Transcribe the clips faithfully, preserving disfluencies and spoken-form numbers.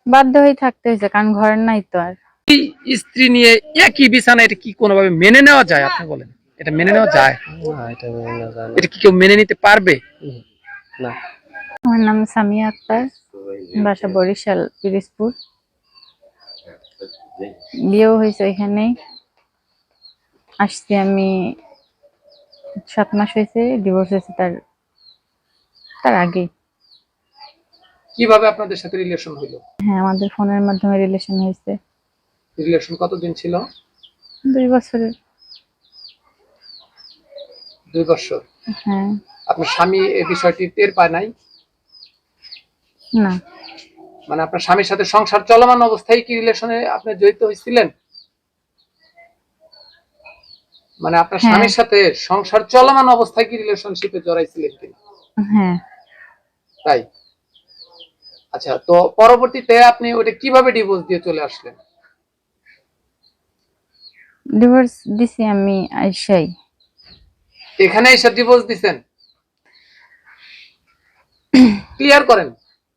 বাধ্য হয়ে থাকতে হয়েছে, কারণ ঘর নাই তো আর। স্ত্রী নিয়ে একই বিছানা, এটা কি কোনোভাবে মেনে নেওয়া যায়? আপনি বলেন, এটা মেনে নেওয়া যায়? না, এটা মেনে নেওয়া যায় না। এটা কি কেউ মেনে নিতে পারবে? না। আমার নাম সামিয়া আক্তার, বাসা বরিশাল পিরিজপুর। বিয়েও হয়েছে এখানেই। আসছি আমি সাত মাস হয়েছে, ডিভোর্স হয়েছে তার তার আগেই। কিভাবে আপনাদের সাথে রিলেশন হলো? হ্যাঁ, আমাদের ফোনের মাধ্যমে রিলেশন হয়েছে। রিলেশন কতদিন ছিল? দুই বছরের। দুই বছর। হ্যাঁ। আপনার স্বামী এই বিষয়টি টের পায় নাই? না। মানে আপনার স্বামীর সাথে সংসার চলমান অবস্থায় কি রিলেশনে আপনি জড়িত হয়েছিলেন? মানে আপনার স্বামীর সাথে সংসার চলমান অবস্থায় কি রিলেশনশিপে জড়াইছিলেন কিনা? হ্যাঁ। তাই? আচ্ছা, তো পরবর্তীতে আপনি ওটা কিভাবে ডিভোর্স দিয়ে চলে আসলেন? ডিভোর্স দিছি আমি আইসাই। এখানে এসে ডিভোর্স দিবেন? ক্লিয়ার করেন।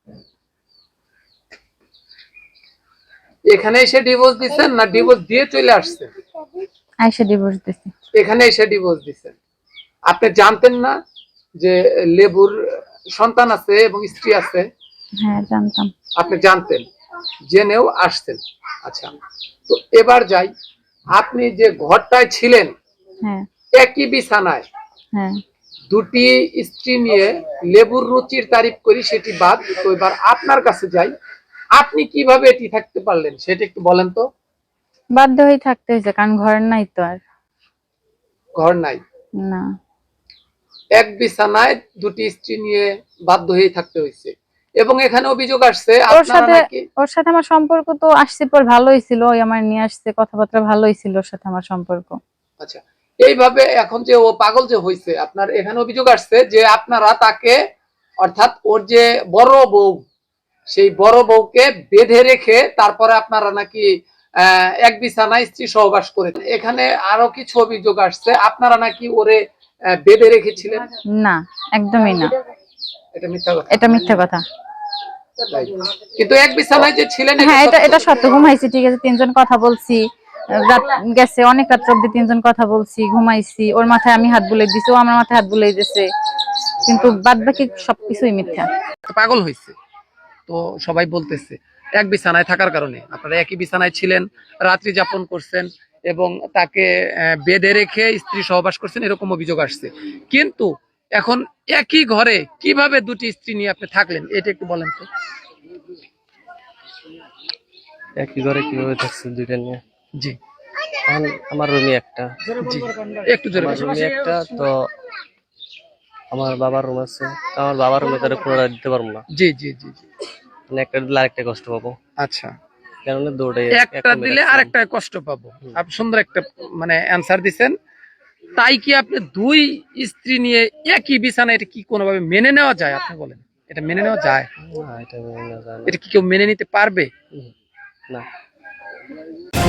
এখানে এসে ডিভোর্স দিবেন না ডিভোর্স দিয়ে চলে আসছেন? আইসা ডিভোর্স দিছি। এখানে এসে ডিভোর্স দিবেন। আপনি জানতেন না যে লেবুর সন্তান আছে এবং স্ত্রী আছে? হ্যাঁ, জানতাম। আপনি জানতেন, জেনেও আসতেন। আচ্ছা, তো এবার যাই, আপনি যে ঘরটায় ছিলেন, হ্যাঁ একই বিছানায় হ্যাঁ দুটি স্ত্রী নিয়ে লেবুর রুচির তারিফ করি সেটি বাদ, তো এবার আপনার কাছে যাই, আপনি কিভাবে এটি থাকতে পারলেন সেটা একটু বলেন তো। বাধ্য হয়ে থাকতে হয়েছে, কারণ ঘর নাই তো আর। ঘর নাই? না। এক বিছানায় দুটি স্ত্রী নিয়ে বাধ্য হয়ে থাকতে হয়েছে, এবং এখানে অভিযোগ আসছে ওর সাথে নাকি ওর সাথে আমার সম্পর্ক তো আসছে পর ভালোই ছিল, ওই আমার নিয়ে আসছে, কথাবার্তা ভালোই ছিল ওর সাথে আমার সম্পর্ক। আচ্ছা, এইভাবে এখন যে ও পাগল যে হয়েছে, আপনার এখানে অভিযোগ আসছে যে আপনারা তাকে, অর্থাৎ ওর যে বড় বউ, সেই বড় বউকে বেঁধে রেখে তারপরে আপনারা নাকি আহ এক বিছানায় স্ত্রী সহবাস করেছেন। এখানে আরো কিছু অভিযোগ আসছে, আপনারা নাকি ওরে বেঁধে রেখেছিলেন। না, একদমই না। এটা মিথ্যা কথা? এটা মিথ্যা কথা। কিন্তু এক বিছানায় যে ছিলেন, হ্যাঁ, এটা এটা সত্য। ঘুমাইছি, ঠিক আছে, তিনজন কথা বলছি, রাত গেছে অনেক রাত অব্দি তিনজন কথা বলছি, ঘুমাইছি, ওর মাথায় আমি হাত বুলাই দিছি, ও আমার মাথায় হাত বুলাই দিছে, কিন্তু বাদ বাকি সবকিছুই মিথ্যা। পাগল হয়েছে তো সবাই বলতেছে এক বিছানায় থাকার কারণে। আপনারা একই বিছানায় ছিলেন, রাত্রি যাপন করছেন এবং তাকে বেঁধে রেখে স্ত্রী সহবাস করছেন, এরকম অভিযোগ আসছে। কিন্তু এখন একই ঘরে কিভাবে দুটি স্ত্রী নিয়ে আপনি থাকলেন এটা একটু বলেন তো। একই ঘরে কিভাবে থাকছে দুইটা নিয়ে? জি, আমার রুমে একটা। জি, একটু জোরে বলুন। রুমে একটা, তো আমার বাবার রুম আছে, আমার বাবার রুমে তারা পুরোটা দিতে পারবো না। জি জি জি জি, মানে একটা দিলে আরেকটা কষ্ট পাবো। আচ্ছা, কারণ দুটোই একটা দিলে আরেকটা কষ্ট পাবো। আপনি সুন্দর একটা মানে অ্যানসার দিবেন। তাই কি আপনি দুই স্ত্রী নিয়ে একই বিছানায়, এটা কি কোনোভাবে মেনে নেওয়া যায়? আপনি বলেন, এটা মেনে নেওয়া যায়? না, এটা মেনে নেওয়া যায় না। এটা কি কেউ মেনে নিতে পারবে? না।